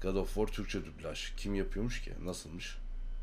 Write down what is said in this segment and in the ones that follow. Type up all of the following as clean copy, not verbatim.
God of War Türkçe dublaj. Kim yapıyormuş ki? Nasılmış?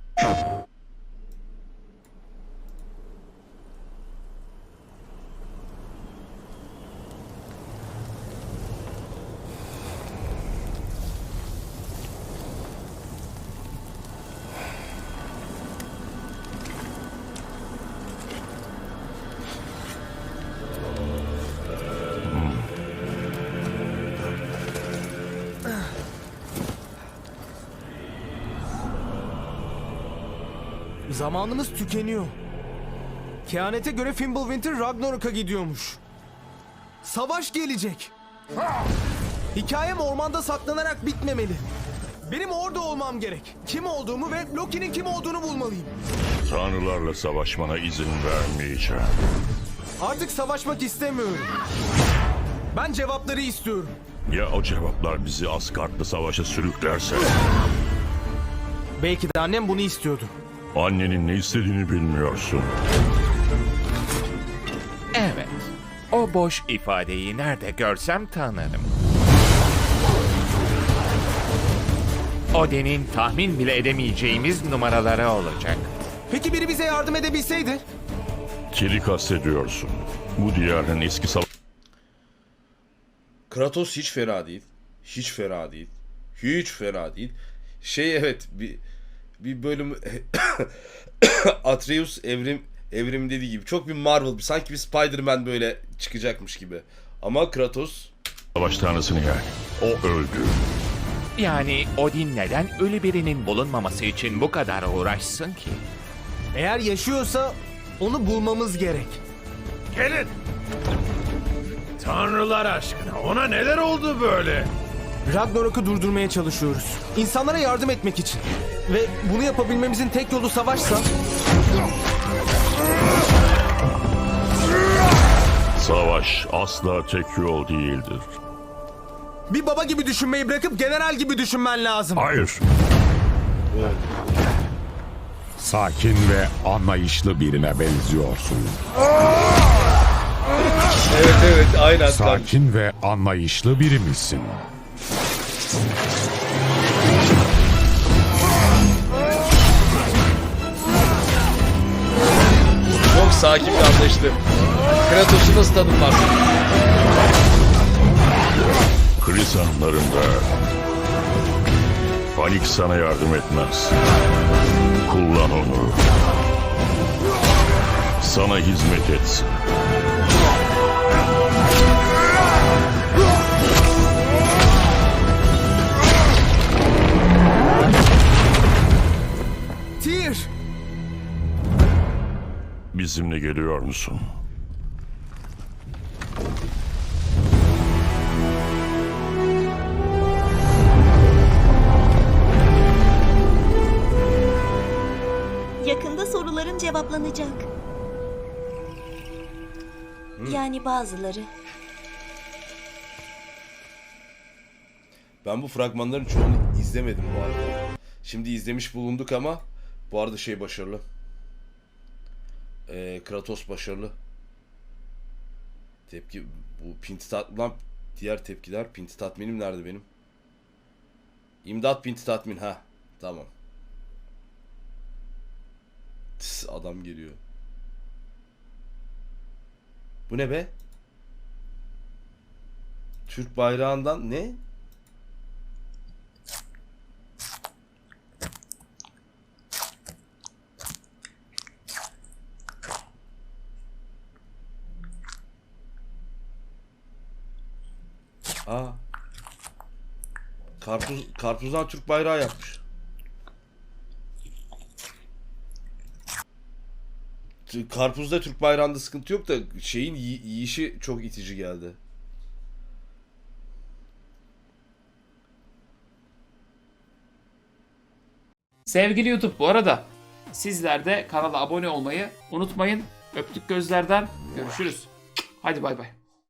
Zamanımız tükeniyor. Kehanete göre Fimbulwinter Ragnarok'a gidiyormuş. Savaş gelecek. Hikayem ormanda saklanarak bitmemeli. Benim orada olmam gerek. Kim olduğumu ve Loki'nin kim olduğunu bulmalıyım. Tanrılarla savaşmana izin vermeyeceğim. Artık savaşmak istemiyorum. Ben cevapları istiyorum. Ya o cevaplar bizi Asgard'la savaşa sürüklerse? Belki de annem bunu istiyordu. Annenin ne istediğini bilmiyorsun. Evet. O boş ifadeyi nerede görsem tanırım. Odin'in tahmin bile edemeyeceğimiz numaraları olacak. Peki biri bize yardım edebilseydi? Kiri kastediyorsun. Bu diyarın eski Kratos hiç fena değil. Hiç fena değil. Hiç fena değil. Evet, bir bölüm Atreus evrim dediği gibi çok bir Marvel, sanki bir Spider-Man böyle çıkacakmış gibi. Ama Kratos savaş tanrısını yani. O öldü. Yani Odin neden ölü birinin bulunmaması için bu kadar uğraşsın ki? Eğer yaşıyorsa onu bulmamız gerek. Gelin. Tanrılar aşkına ona neler oldu böyle? Ragnarok'u durdurmaya çalışıyoruz. İnsanlara yardım etmek için. Ve bunu yapabilmemizin tek yolu savaşsa... Savaş asla tek yol değildir. Bir baba gibi düşünmeyi bırakıp general gibi düşünmen lazım. Hayır. Sakin ve anlayışlı birine benziyorsun. evet aynen. Sakin ve anlayışlı biri misin? Çok sakin bir anlayışlı. Kratos'u nasıl tanımlar? Kriz anlarında panik sana yardım etmez. Kullan onu. Sana hizmet etsin. Tyr! Bizimle geliyor musun? Yakında soruların cevaplanacak. Yani bazıları. Ben bu fragmanların çoğunu izlemedim bu arada. Şimdi izlemiş bulunduk ama bu arada başarılı. Kratos başarılı. Tepki bu pinti lan, diğer tepkiler. Pinti tatminim nerede benim? İmdat pinti tatmin, ha tamam. Adam geliyor. Bu ne be? Türk bayrağından ne? Aa. Karpuzdan Türk bayrağı yapmış. Karpuzda Türk bayrağında sıkıntı yok da yiyişi çok itici geldi. Sevgili YouTube, bu arada sizler de kanala abone olmayı unutmayın. Öptük gözlerden. Görüşürüz. Hadi bay bay.